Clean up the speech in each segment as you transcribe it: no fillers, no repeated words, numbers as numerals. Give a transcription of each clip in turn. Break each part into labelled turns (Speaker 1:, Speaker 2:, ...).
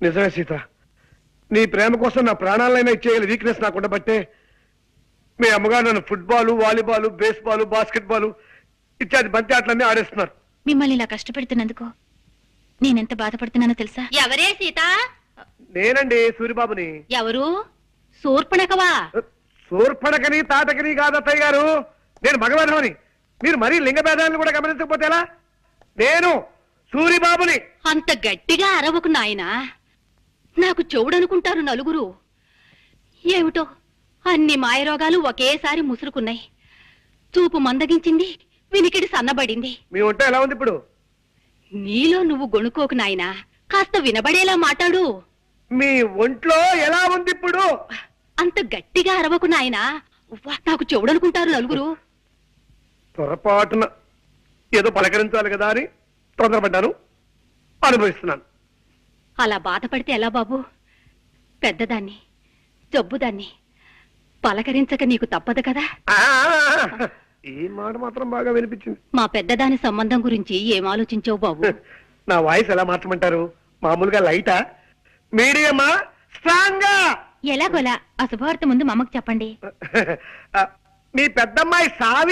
Speaker 1: నిజమే సీత, నీ ప్రేమ కోసం నా ప్రాణాలైనా ఇచ్చేయాలి వీక్నెస్ నాకు ఉండబట్టే మీ అమ్మగారు నన్ను ఫుట్బాల్, వాలీబాల్, బేస్బాల్, బాస్కెట్బాల్ ఇత్యాది బంతి ఆటలన్నీ ఆడేస్తున్నారు.
Speaker 2: మిమ్మల్ని ఇలా కష్టపెడుతున్నందుకు నేనెంత బాధపడుతున్నానో తెలుసా?
Speaker 3: ఎవరే సీత?
Speaker 1: నేనండి సూరిబాబుని.
Speaker 3: ఎవరు? శూర్పణఖవా?
Speaker 1: శూర్పణఖని తాటకని కాదు అత్తయ్య గారు, నేను మగవాధవని. మీరు మరీ లింగ భేదాలను కూడా గమనించకపోతే ఎలా? నేను సూరిబాబుని.
Speaker 3: అంత గట్టిగా అరవకు నాయనా, నాకు చెవుడనుకుంటారు నలుగురు. ఏమిటో అన్ని మాయరోగాలు ఒకేసారి ముసురుకున్నాయి. చూపు మందగించింది, వినికిడి సన్నబడింది.
Speaker 1: మీ ఒంట ఎలా ఉంది ఇప్పుడు?
Speaker 3: నీలో నువ్వు గొణుకోకు నాయనా, కాస్త వినబడేలా మాట్లాడు.
Speaker 1: మీ ఒంట్లో ఎలా ఉంది ఇప్పుడు?
Speaker 3: అంత గట్టిగా అరవకు నాయనా, నాకు చెవుడనుకుంటారు నలుగురు.
Speaker 1: పొరపాటున ఏదో పలకరించాలి కదా అని తొందరపడ్డాను, అనుభవిస్తున్నాను.
Speaker 3: అలా బాధపడితే ఎలా బాబు? పెద్దదాన్ని, జబ్బుదాన్ని పలకరించక నీకు తప్పదు కదా.
Speaker 1: ఈ మాట మాత్రం బాగా వినిపించింది.
Speaker 3: మా పెద్దదాని సంబంధం గురించి ఏం ఆలోచించావు బాబు?
Speaker 1: నా వాయిస్ ఎలా మార్చమంటారు? మామూలుగా లైటా, మీడియమా, స్ట్రాంగా?
Speaker 2: ఎలాగోలా ఆ శుభవార్త ముందు మా అమ్మకు చెప్పండి.
Speaker 1: మీ పెద్దమ్మాయి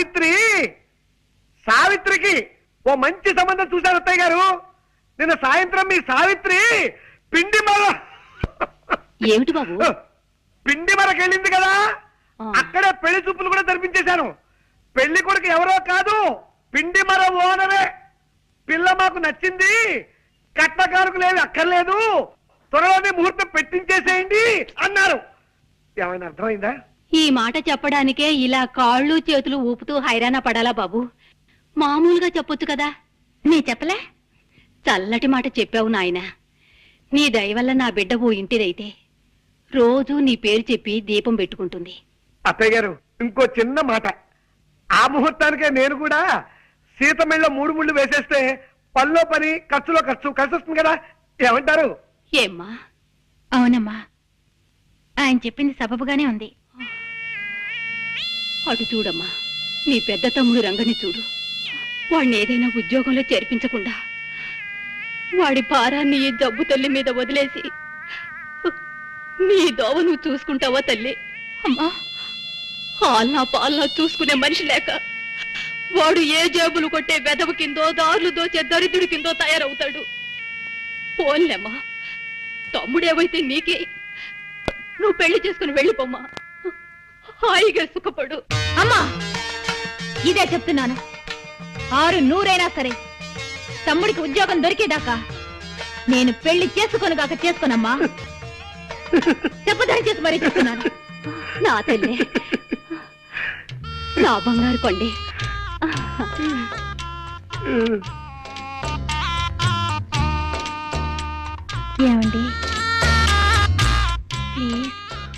Speaker 1: సావిత్రికి ఓ మంచి సంబంధం చూశారు అత్తయ్య గారు. నిన్న సాయంత్రం మీ సావిత్రి
Speaker 3: ఏమిటి బాబు?
Speaker 1: పిండి మరకెళ్ళింది కదా, అక్కడే పెళ్లి చూపులు కూడా జరిపించేశాను. పెళ్లి కొడుకు ఎవరో కాదు, పిండి మర ఓనరే. పిల్ల మాకు నచ్చింది, కట్నకారుకు లేదు అక్కర్లేదు, త్వరలోనే ముహూర్తం పెట్టించేసేయండి అన్నారు. ఏమైనా అర్థమైందా?
Speaker 3: ఈ మాట చెప్పడానికే ఇలా కాళ్ళు చేతులు ఊపుతూ హైరాణ పడాలా బాబు? మామూలుగా చెప్పొచ్చు కదా.
Speaker 2: నీ చెప్పలే?
Speaker 3: చల్లటి మాట చెప్పావు నాయనా. నీ దయవల్ల నా బిడ్డ ఓ ఇంటిదైతే రోజూ నీ పేరు చెప్పి దీపం పెట్టుకుంటుంది.
Speaker 1: అత్తయ్య గారు, ఇంకో చిన్న మాట. ఆ ముహూర్తానికే నేను కూడా సీత మెళ్ళలో 3 ముళ్ళు వేసేస్తే పనిలో పని, ఖర్చులో ఖర్చు కలిసి వస్తుంది కదా. ఏమంటారు?
Speaker 3: ఏమ్మా?
Speaker 2: అవునమ్మా, ఆయన చెప్పింది సబబుగానే ఉంది.
Speaker 3: అటు చూడమ్మా, నీ పెద్ద తమ్ముడు రంగని చూడు. వాడిని ఏదైనా ఉద్యోగంలో చేర్పించకుండా వాడి భారాన్ని ఈ జబ్బు తల్లి మీద వదిలేసి నీ దోవ నువ్వు చూసుకుంటావా తల్లి? అమ్మా, ఆల్నా పాలనా చూసుకునే మనిషి లేక వాడు ఏ జేబులు కొట్టే వెదవ కిందో, దారులు దోచే దరిద్రుడి కిందో తయారవుతాడు. పోన్లేమ్మా, తమ్ముడేవైతే నీకే. నువ్వు పెళ్లి చేసుకుని వెళ్ళిపోమ్మా, హాయిగా సుఖపడు.
Speaker 2: అమ్మా, ఇదే చెప్తున్నాను. 600 సరే, తమ్ముడికి ఉద్యోగం దొరికేదాకా నేను పెళ్లి చేసుకోనుగాక చేసుకోనమ్మా. చెప్పదని చేసి మరీ చెప్తున్నాను.
Speaker 3: నా తల్లి, నా బంగారు కొండి.
Speaker 2: ఏమండి ప్లీజ్?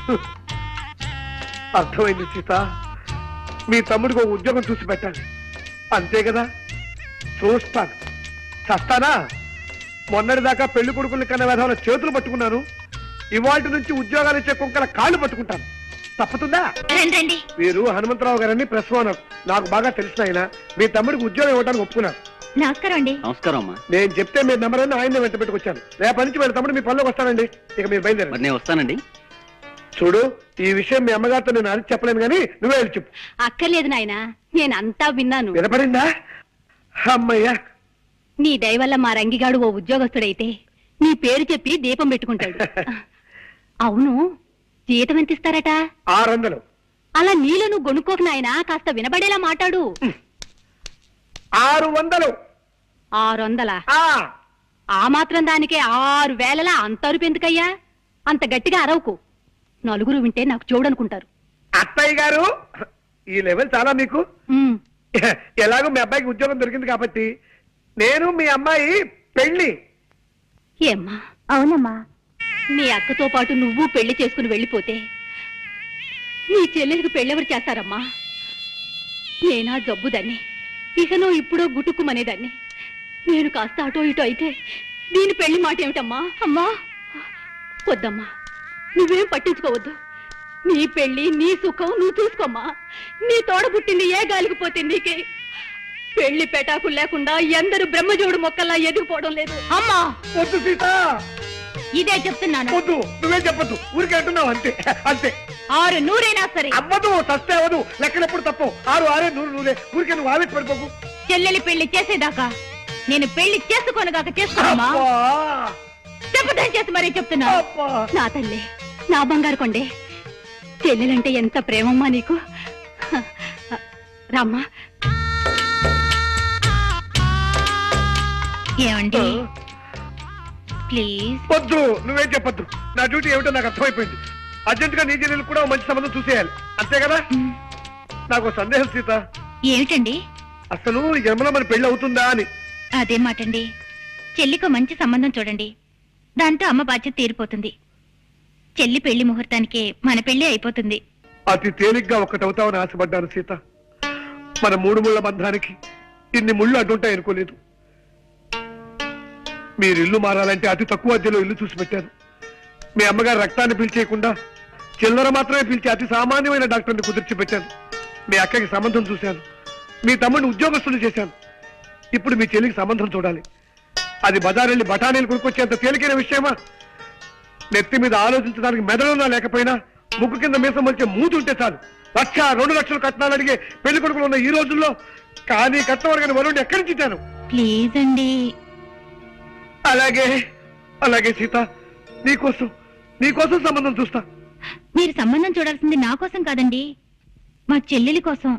Speaker 1: అర్థమైంది సీత, మీ తమ్ముడికి ఒక ఉద్యోగం చూసి పెట్టాలి అంతే కదా. చూస్తాను, చస్తానా? మొన్నటిదాకా పెళ్లి కొడుకుల్ని కన్నా విధాల చేతులు పట్టుకున్నాను, ఇవాళ నుంచి ఉద్యోగాలు ఇచ్చే కుక్కల కాళ్ళు పట్టుకుంటాను. తప్పుతుందా?
Speaker 2: రండి.
Speaker 1: మీరు హనుమంతరావు గారని ప్రెస్ ఓనర్, నాకు బాగా తెలిసిన ఆయన. మీ తమ్ముడికి ఉద్యోగం ఇవ్వడానికి ఒప్పుకున్నాను.
Speaker 2: నమస్కారం అండి.
Speaker 4: నమస్కారం అమ్మా.
Speaker 1: నేను చెప్తే మీ నెంబర్ అని ఆయన వెంట పెట్టుకొచ్చాను. రేపటి నుంచి మీ తమ్ముడు మీ పనిలోకి వస్తానండి. ఇక మీరు బయలుదేరండి.
Speaker 4: నేను వస్తానండి.
Speaker 1: చూడు, ఈ విషయం మీ అమ్మగారితో నేను అడిగి చెప్పలేను, కానీ నువ్వే వెళ్ళి చెప్పు.
Speaker 3: అక్కర్లేదు నాయనా, నేనంతా విన్నాను.
Speaker 1: వినపడిందా? అమ్మయ్యా,
Speaker 3: నీ దయవల్ల మా రంగిగాడు ఓ ఉద్యోగస్తుడైతే నీ పేరు చెప్పి దీపం పెట్టుకుంటాడు. అవును, జీతం ఎంత ఇస్తారట?
Speaker 1: 600.
Speaker 3: అలా నీలో నువ్వు గొనుక్కోకు నాయనా, కాస్త వినబడేలా మాట్లాడు.
Speaker 1: 600.
Speaker 3: 600? ఆ మాత్రం దానికే 6000 అంత అరుపు ఎందుకయ్యా? అంత గట్టిగా అరవకు, నలుగురు వింటే నాకు చూడనుకుంటారు.
Speaker 1: అత్తయ్య గారు, ఈ లెవెల్ చాలా మీకు. ఎలాగో మీ అబ్బాయికి ఉద్యోగం దొరికింది కాబట్టి నేను మీ అమ్మాయి పెళ్లి.
Speaker 3: ఏమ్మా?
Speaker 2: అవునమ్మా.
Speaker 3: నీ అక్కతో పాటు నువ్వు పెళ్లి చేసుకుని వెళ్ళిపోతే నీ చెల్లెలికి పెళ్ళెవరు చేస్తారమ్మా? నేనా జబ్బుదాన్ని, ఇకనో ఇప్పుడో గుటుక్కుమనేదాన్ని. నేను కాస్త అటో ఇటో అయితే దీని పెళ్లి మాట ఏమిటమ్మా? అమ్మా వద్దమ్మా, నువ్వేం పట్టించుకోవద్దు. నీ పెళ్లి, నీ సుఖం నువ్వు చూసుకోమ్మా. నీ తోడ పుట్టింది ఏ గాలికి పోతే నీకే. పెళ్లి పెటాకులు లేకుండా ఎందరు బ్రహ్మజోడు మొక్కల్లా ఎదిగిపోవడం లేదు. అమ్మా
Speaker 1: వద్దు సీత,
Speaker 2: ఇదే చెప్తున్నాను.
Speaker 1: వద్దు, నువ్వేం చెప్పొద్దు. ఊరికే అంటున్నావు అంతే. అంతే.
Speaker 2: 6 నూరైనా సరే.
Speaker 1: అవ్వదు, సస్తే అవ్వదు. లెక్కలెప్పుడు తప్పు. 6 6 100 ఊరికే నువ్వు ఆవేశ పడిపోకు.
Speaker 2: చెల్లెలి పెళ్లి చేసేదాకా నేను పెళ్లి చేసుకోనుగాక చేసుకోమా? చెప్పదని చేసి మరీ చెప్తున్నా.
Speaker 3: నా తల్లి, నా బంగారు కొండే, చెల్లెలంటే ఎంత ప్రేమమ్మా నీకు. రామ్మా.
Speaker 2: ఏమండి ప్లీజ్.
Speaker 1: వద్దు, నువ్వేం చెప్పొద్దు. నా డ్యూటీ ఏమిటో నాకు అర్థమైపోయింది. అర్జెంట్ గా నీ చెల్లెలు కూడా ఓ మంచి సంబంధం చూసేయాలి, అంతే కదా? నాకు ఓ సందేహం సీత.
Speaker 2: ఏమిటండి?
Speaker 1: అసలు ఈ జన్మలో మన పెళ్లి అవుతుందా అని.
Speaker 2: అదే మాటండి. చెల్లికి మంచి సంబంధం చూడండి, దాంతో అమ్మ బాధ్యత తీరిపోతుంది. చెల్లి పెళ్లి ముహూర్తానికే మన పెళ్లి అయిపోతుంది.
Speaker 1: అతి తేలిగ్గా ఒక్కటవుతామని ఆశపడ్డాను సీత. మన 3 ముళ్ళ బంధానికి ఇన్ని ముళ్ళు అడ్డుంటాయి అనుకోలేదు. మీరు ఇల్లు మారాలంటే అతి తక్కువ అద్దెలో ఇల్లు చూసి పెట్టారు. మీ అమ్మగారు రక్తాన్ని పీల్చేయకుండా చిల్లర మాత్రమే పీల్చి అతి సామాన్యమైన డాక్టర్ని కుదిర్చి పెట్టాను. మీ అక్కకి సంబంధం చూశాను. మీ తమ్ముడిని ఉద్యోగస్తులు చేశాను. ఇప్పుడు మీ చెల్లికి సంబంధం చూడాలి. అది బజారెళ్ళి బఠానీలు కొనుక్కొచ్చేంత తేలికైన విషయమా? నెత్తి మీద ఆలోచించడానికి మెదడున్నా లేకపోయినా ముక్కు కింద మీసం వచ్చే మూతి ఉంటే చాలు 1 2 లక్షలు కట్నాలు అడిగే పెళ్లి కొడుకులు ఉన్న ఈ రోజుల్లో కానీ కట్నం అడిగిన వరుణ్ణి ఎక్కడి నుంచి ఇచ్చాను?
Speaker 2: ప్లీజ్ అండి.
Speaker 1: అలాగే అలాగే సీత, నీకోసం సంబంధం చూస్తా.
Speaker 2: మీరు సంబంధం చూడాల్సింది నా కోసం కాదండి, మా చెల్లెలి కోసం.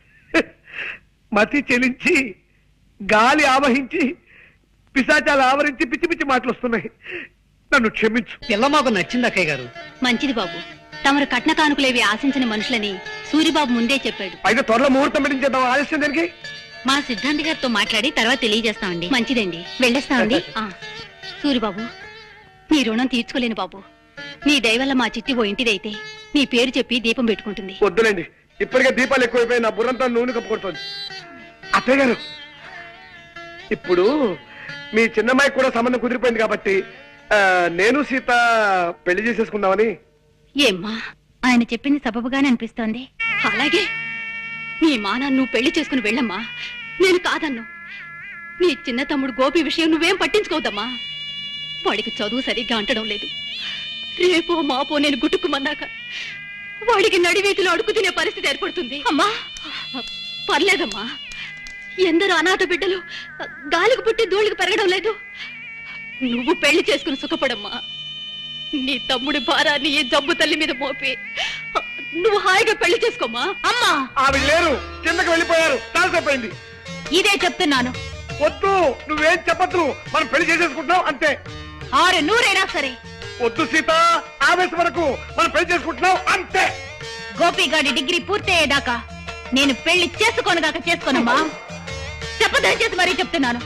Speaker 1: మతి చెలించి గాలి ఆవహించి పిశాచాలు ఆవరించి పిచ్చి పిచ్చి మాటలు వస్తున్నాయి. నన్ను క్షమించు.
Speaker 4: పిల్ల మాకు నచ్చింది అక్కయ్య గారు.
Speaker 3: మంచిది బాబు. తమరు కట్న కానుకలేవి ఆశించిన మనుషులని సూరిబాబు ముందే చెప్పాడు.
Speaker 1: అయితే త్వరలో ముహూర్తం పెట్టించేద్దాం. ఆలస్యం దానికి
Speaker 3: మా సిద్ధాంతి గారితో మాట్లాడి తర్వాత తెలియజేస్తామండి. మంచిదండి, వెళ్ళేస్తామండి. సూరిబాబు, నీ రుణం తీర్చుకోలేను బాబు. నీ దయవల్ల మా చిట్టి ఓ ఇంటిదైతే నీ పేరు చెప్పి దీపం పెట్టుకుంటుంది.
Speaker 1: వద్దులేండి, ఇప్పటికే దీపాలు ఎక్కువైపోయి నా బుర్రంతా నూనె కప్పుకొడుతోంది. అత్తయ్య గారు, ఇప్పుడు మీ చిన్నమ్మాయి కూడా సంబంధం కుదిరిపోయింది కాబట్టి నేను సీత పెళ్లి చేసేసుకుందామని.
Speaker 3: ఏమ్మా,
Speaker 2: ఆయన చెప్పింది సబబుగానే అనిపిస్తోంది.
Speaker 3: అలాగే నీ మానా నువ్వు పెళ్లి చేసుకుని వెళ్ళమ్మా, నేను కాదన్ను. నీ చిన్న తమ్ముడు గోపి విషయం నువ్వేం పట్టించుకోవద్దమ్మా. వాడికి చదువు సరిగ్గా అంటడం లేదు. రేపో మాపో నేను గుట్టుకుమన్నాక వాడికి నడివీధిలో అడుగు తినే పరిస్థితి ఏర్పడుతుంది. అమ్మా పర్లేదమ్మా, ఎందరో అనాథ బిడ్డలు గాలికి పుట్టి ధూళికి పెరగడం లేదు. నువ్వు పెళ్లి చేసుకుని సుఖపడమ్మా. నీ తమ్ముడి భారాన్ని ఈ జబ్బు తల్లి మీద మోపి నువ్వు హాయిగా పెళ్లి చేసుకోమా.
Speaker 2: అమ్మా,
Speaker 1: ఆవిడ లేరు, కిందకి వెళ్ళిపోయారు. తాల్సైపోయింది.
Speaker 2: ఇదే చెప్తున్నాను.
Speaker 1: వద్దు, నువ్వేం చెప్పద్దు. మనం పెళ్లి చేసేసుకుంటున్నాం అంతే.
Speaker 2: 6 నూరైనా సరే.
Speaker 1: వద్దు సీత, ఆవేశం వరకు మనం పెళ్లి చేసుకుంటున్నాం అంతే.
Speaker 2: గోపిగాడి డిగ్రీ పూర్తయ్యేదాకా నేను పెళ్లి చేసుకోనుగాక చేసుకోనమ్మా. చెప్పదని చేసి మరీ చెప్తున్నాను.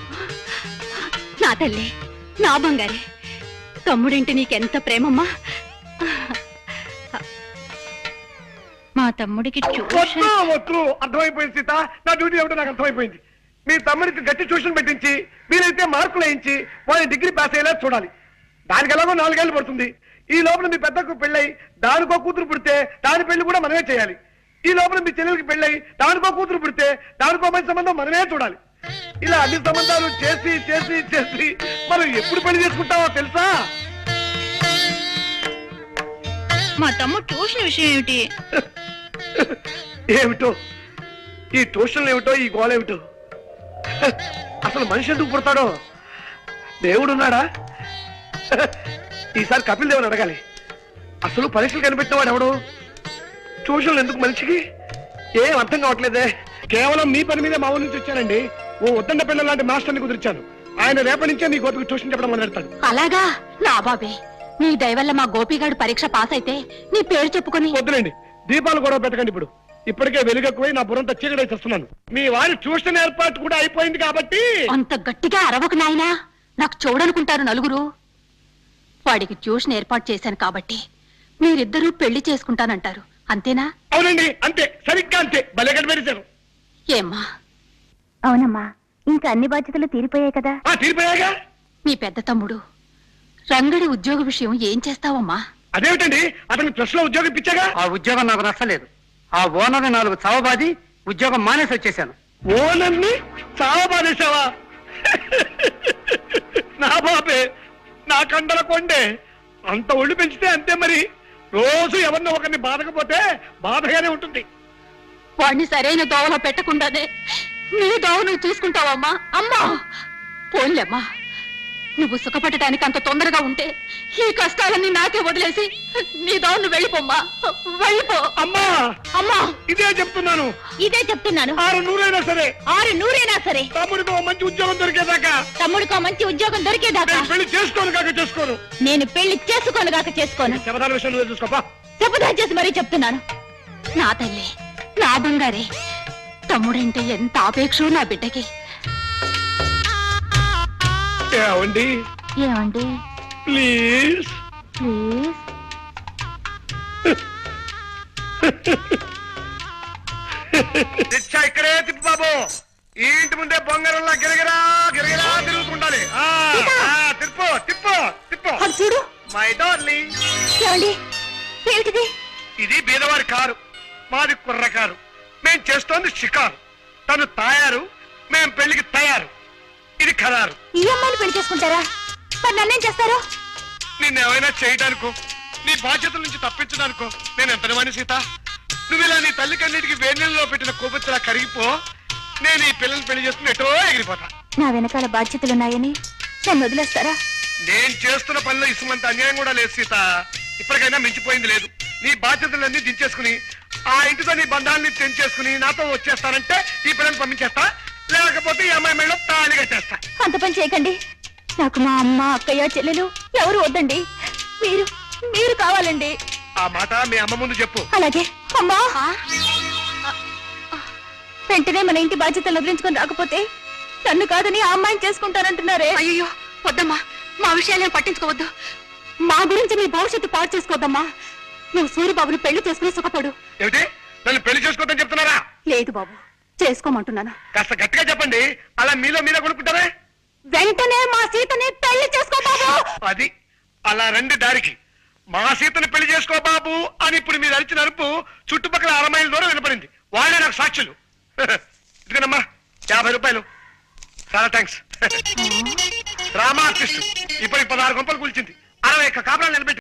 Speaker 3: నా తల్లి, నా బంగారే, తమ్ముడింటి నీకెంత ప్రేమమ్మా.
Speaker 2: మా తమ్ముడికి
Speaker 1: వద్దు వద్దు, అర్థమైపోయింది సీత. నా డ్యూటీ ఏమిటో నాకు అర్థమైపోయింది. మీ తమ్ముడికి గట్టి ట్యూషన్ పెట్టించి మీరైతే మార్కులు వేయించి వాళ్ళని డిగ్రీ పాస్ అయ్యేలా చూడాలి. దానికి ఎలాగో 4 ఏళ్ళు పడుతుంది. ఈ లోపల మీ పెద్దకు పెళ్ళై దానికో కూతురు పుడితే దాని పెళ్లి కూడా మనమే చేయాలి. ఈ లోపల మీ చెల్లెలకి పెళ్ళై దానికో కూతురు పుడితే దానికో మంచి సంబంధం మనమే చూడాలి. ఇలా అన్ని సంబంధాలు చేసి చేసి చేసి మనం ఎప్పుడు పెళ్లి చేసుకుంటామో తెలుసా?
Speaker 2: మా తమ్ముడు ట్యూషన్ విషయం ఏమిటి?
Speaker 1: ఏమిటో ఈ ట్యూషన్లు ఏమిటో, ఈ గోళ ఏమిటో. అసలు మనిషి ఎందుకు పుడతాడో? దేవుడున్నాడా? ఈసారి కపిల్ దేవుని అడగాలి. అసలు పరీక్షలు కనిపెట్టినవాడు ఎవడు? ట్యూషన్లు ఎందుకు మనిషికి? ఏం అర్థం కావట్లేదే. కేవలం మీ పని మీదే మా ఊరి నుంచి వచ్చానండి. ఓ ఉద్దండ పిల్లల లాంటి మాస్టర్ని కుదిర్చాను. ఆయన రేపటి నుంచే నీ గోపికి ట్యూషన్ చెప్పడం మొదలెడతాడు.
Speaker 3: అలాగా? నా బాబే, నీ దయవల్ల మా గోపిగాడు పరీక్ష పాస్ అయితే నీ పేరు చెప్పుకొని.
Speaker 1: వద్దులేండి, దీపాలు గొడవ పెట్టకండి. ఇప్పటికే వెలుగెక్కువై నా బుర్రంతా చీకటి చేస్తున్నాను. మీ వారి ట్యూషన్ ఏర్పాటు కూడా అయిపోయింది కాబట్టి.
Speaker 3: అంత గట్టిగా అరవకు నాయనా, నాకు చూడనుకుంటారు నలుగురు. వాడికి ట్యూషన్ ఏర్పాటు చేశాను కాబట్టి మీరిద్దరూ పెళ్లి చేసుకుంటానంటారు, అంతేనా?
Speaker 1: అవునండి, అంతే, సరిగ్గా అంతే. భలే కనిపెట్టారు.
Speaker 3: ఏమ్మా?
Speaker 2: అవునమ్మా, ఇంకా అన్ని బాధ్యతలు తీరిపోయాయి కదా.
Speaker 1: తీరిపోయాగా.
Speaker 3: మీ పెద్ద తమ్ముడు రంగడి ఉద్యోగ విషయం ఏం చేస్తావమ్మా?
Speaker 1: అదేమిటండి, అతనికి ప్లస్ లో ఉద్యోగం ఇప్పించాగా.
Speaker 4: ఆ ఉద్యోగం నాకు నచ్చలేదు. ఆ ఓనర్ 4 చవబాది ఉద్యోగం మానేసి వచ్చేసాను.
Speaker 1: ఓనర్ని చావబాదేశావా? నా బాబే, నా కండల కొండే. అంత ఒళ్ళు పెంచితే అంతే మరి. రోజు ఎవరినో ఒకరిని బాధకపోతే బాధగానే ఉంటుంది.
Speaker 3: వాడిని సరైన దోవలో పెట్టకుండానే నీ దోవ నువ్వు చూసుకుంటావమ్మా. అమ్మా పోన్లేమ్మా, నువ్వు సుఖపడటానికి అంత తొందరగా ఉంటే ఈ కష్టాలన్నీ నాకే వదిలేసి నీ దోవ నువ్వు వెళ్ళిపోమ్మా, వెళ్ళిపో.
Speaker 1: అమ్మా
Speaker 3: అమ్మా
Speaker 1: ఇదే చెప్తున్నాను.
Speaker 2: ఇదే చెప్తున్నాను.
Speaker 1: 600 సరే,
Speaker 2: 600 సరే,
Speaker 1: తమ్ముడికి ఓ మంచి ఉద్యోగం దొరికేదాకా,
Speaker 2: తమ్ముడికో మంచి ఉద్యోగం దొరికేదాకా
Speaker 1: నేను పెళ్లి చేసుకోను కాక చేసుకోను.
Speaker 2: నేను పెళ్లి చేసుకోనుగాక చేసుకోను.
Speaker 1: శబదాల విషయం నువ్వే చూసుకోపా.
Speaker 2: శపథం చేసి మరీ చెప్తున్నాను.
Speaker 3: నా తల్లి, నా బంగారే, తమ్ముడంటే ఎంత ఆపేక్షో నా బిడ్డకి.
Speaker 1: ఏమండి
Speaker 2: ఏమండి
Speaker 1: ప్లీజ్
Speaker 2: ప్లీజ్
Speaker 1: రిక్షా ఇక్కడే తిప్పు బాబు. ఈ ఇంటి ముందే బొంగరంలా గిరగిరా గిరగిరా తిరుగుతుండాలి. తిప్పు తిప్పు తిప్పు.
Speaker 2: అది చూడు.
Speaker 1: మై డార్లింగ్,
Speaker 2: ఏమండి ఏమిటిది?
Speaker 1: ఇది బీదవారి కారు, మాది కుర్ర కారు. మేం చేస్తోంది షికారు. తను తాయారు, మేం పెళ్లికి తయారు. ఇది ఖరారు.
Speaker 2: ఈ అమ్మాయిని పెళ్లి చేసుకుంటారా? మరి నన్నేం చేస్తారు?
Speaker 1: నిన్నేమైనా చేయడానికో, నీ బాధ్యతల నుంచి తప్పించడానికో నేను ఎంత వాణి సీత. నువ్వు ఇలా నీ తల్లి కన్నిటికి వేణీళ్ళలో పెట్టిన కోపచ్చలా కరిగిపో. నేను ఈ పిల్లల్ని పెళ్లి చేసుకుని ఎటో ఎగిరిపోతా.
Speaker 2: నా వెనకాల బాధ్యతలున్నాయని నన్ను వదిలేస్తారా?
Speaker 1: నేను చేస్తున్న పనిలో ఇసుమంత అన్యాయం కూడా లేదు సీత. ఇప్పటికైనా మించిపోయింది లేదు. నీ బాధ్యతలన్నీ దించేసుకుని ఆ ఇంటితో నీ బంధాన్ని తెంచేసుకుని నాతో వచ్చేస్తానంటే ఈ పిల్లల్ని పంపించేస్తా, లేకపోతే ఈ అమ్మాయి మెడలో తాళి కట్టేస్తా.
Speaker 2: అంత పని చేయకండి. నాకు మా అమ్మ, అక్కయ్య, చెల్లెలు ఎవరు వద్దండి. మీరు మీరు కావాలండి.
Speaker 1: ఆ మాట మీ అమ్మ ముందు చెప్పు.
Speaker 2: అలాగే. అమ్మా, వెంటనే మన ఇంటి బాధ్యతలు వదిలించుకొని రాకపోతే నన్ను కాదని ఆ అమ్మాయిని చేసుకుంటానంటున్నారే.
Speaker 3: అయ్యో వద్దమ్మా, మా విషయాలేం పట్టించుకోవద్దు. మా గురించి నీ భవిష్యత్తు పాడు చేసుకోవద్దమ్మా. నువ్వు సూర్యబాబుని పెళ్లి చేసుకుని సుఖపడు.
Speaker 1: ఏమిటి, నన్ను పెళ్లి చేసుకోవద్దని చెప్తున్నారా?
Speaker 3: లేదు బాబు, చేసుకోమంటున్నాను.
Speaker 1: కాస్త గట్టిగా చెప్పండి. అలా మీలో మీరే కొనుక్కుంటారే.
Speaker 3: వెంటనే మా సీతని పెళ్లి చేసుకో బాబు.
Speaker 1: అది అలా రండి దారికి. మా సీతను పెళ్లి చేసుకో బాబు అని ఇప్పుడు మీరు అరిచిన అరుపు చుట్టుపక్కల 6 మైళ్ళ దూరం వినపడింది. వాళ్ళే నాకు సాక్షులు. ఇదిగోనమ్మా 50 రూపాయలు. చాలా థ్యాంక్స్. డ్రామా ఆర్టిస్ట్ ఇప్పటికి 16 గంపలు కూల్చింది. 60 కాపురాలు నిలబెట్టి